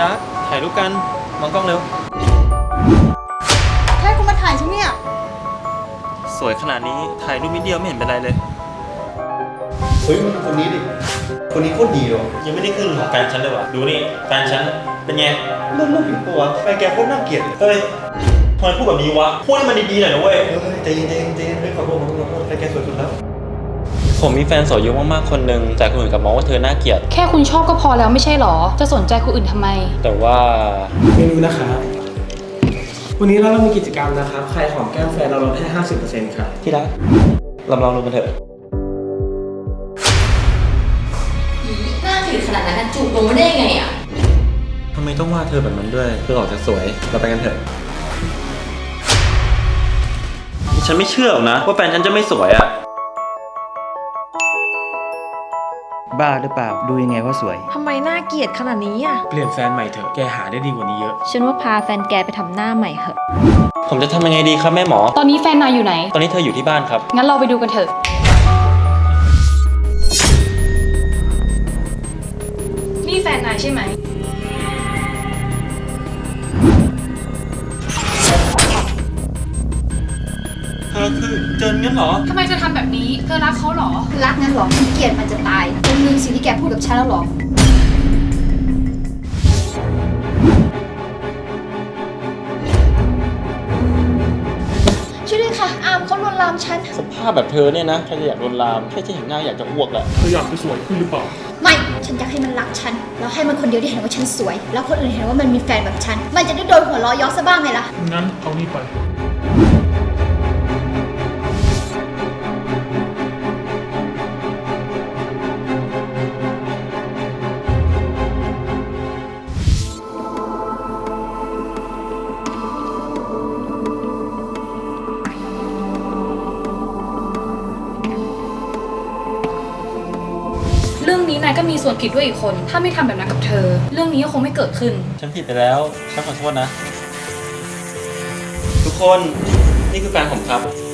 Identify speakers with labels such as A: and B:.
A: รักถ่ายรูปกันมองกล้องเร็ว
B: ให้คุณมาถ่ายฉันเนี่ย
A: สวยขนาดนี้ถ่ายรูปนิดเดียวไม่เห็นเป็นไรเลย
C: เฮ้ยมันคนนี้ดิคนนี้โคตรดีเลย
A: ยังไม่ได้ขึ้นของแฟนฉันเลยว่ะดูนี่แฟนฉันเป็นไง
C: เริ่มผิดปะวะแฟนแกโคตรน่าเกลียด
A: เฮ้ยทำไมพูดแบบนี้วะพูดให้มันดีๆหน่อยนะเว้ย
C: ใจเย็นเฮ้ยขอโทษแฟนแกสวยสุดแล้ว
A: ผมมีแฟนสวยเยอะมากๆคนหนึ่งแต่คนอื่นกลับมองว่าเธอน่าเกลียด
B: แค่คุณชอบก็พอแล้วไม่ใช่หรอจะสนใจคนอื่นทำไม
A: แต่ว่า
D: เมนูนะครับวันนี้เรามีกิจกรรมนะครับใครหอมแก้มแฟนเราลดให้ 50% ครับ
A: ที่รักลองดูกันเถอะ
E: หน้าจืดขนาดนั้นจูบลงมาได้ยังไงอ่ะ
A: ทำไมต้องว่าเธอแบบนั้นด้วยเธอออกจะสวยเราไปกันเถอะฉันไม่เชื่อหรอกนะว่าแฟนฉันจะไม่สวยอะ
F: บ้าหรือเปล่าดูยังไงว่าสวย
G: ทำไมน่าเกลียดขนาดนี้อ่ะ
D: เปลี่ยนแฟนใหม่เถอะแกหาได้ดีกว่านี้เยอะ
G: ฉันว่าพาแฟนแกไปทำหน้าใหม่เหอะ
A: ผมจะทำยังไงดีครับแม่หมอ
B: ตอนนี้แฟนนายอยู่ไหน
A: ตอนนี้เธออยู่ที่บ้านครับ
B: งั้นเราไปดูกันเถอะนี่แฟนนายใช่ไหม
A: เธอคือเจนงั้นเหรอ
B: ทำไมเธอทำแบบนี้เธอรักเขาเหรอ
E: รักงั้นหรอฉันเกลียดมันจะตายคุณลืมสิ่งที่แกพูดกับฉันแล้วหรอช่วยด้วยค่ะอามเขาลวนลามฉัน
A: สภาพแบบเธอเนี่ยนะใครจะอยากลวนลามแค่จะเห็นหน้าอยากจะอ้วกแหละ
D: เธออยากไปสวยขึ้นหรือเปล่า
E: ไม่ฉันอยากให้มันรักฉันแล้วให้มันคนเดียวที่เห็นว่าฉันสวยแล้วคนอื่นเห็นว่ามันมีแฟนแบบฉันมันจะได้โดนหัวล้อย้อซะบ้างไงล่ะ
D: งั้นเอานี่ไป
B: เรื่องนี้นายก็มีส่วนผิดด้วยอีกคนถ้าไม่ทำแบบนั้นกับเธอเรื่องนี้ก็คงไม่เกิดขึ้น
A: ฉันผิดไปแล้วฉันขอโทษนะทุกคนนี่คือแฟนผมครับ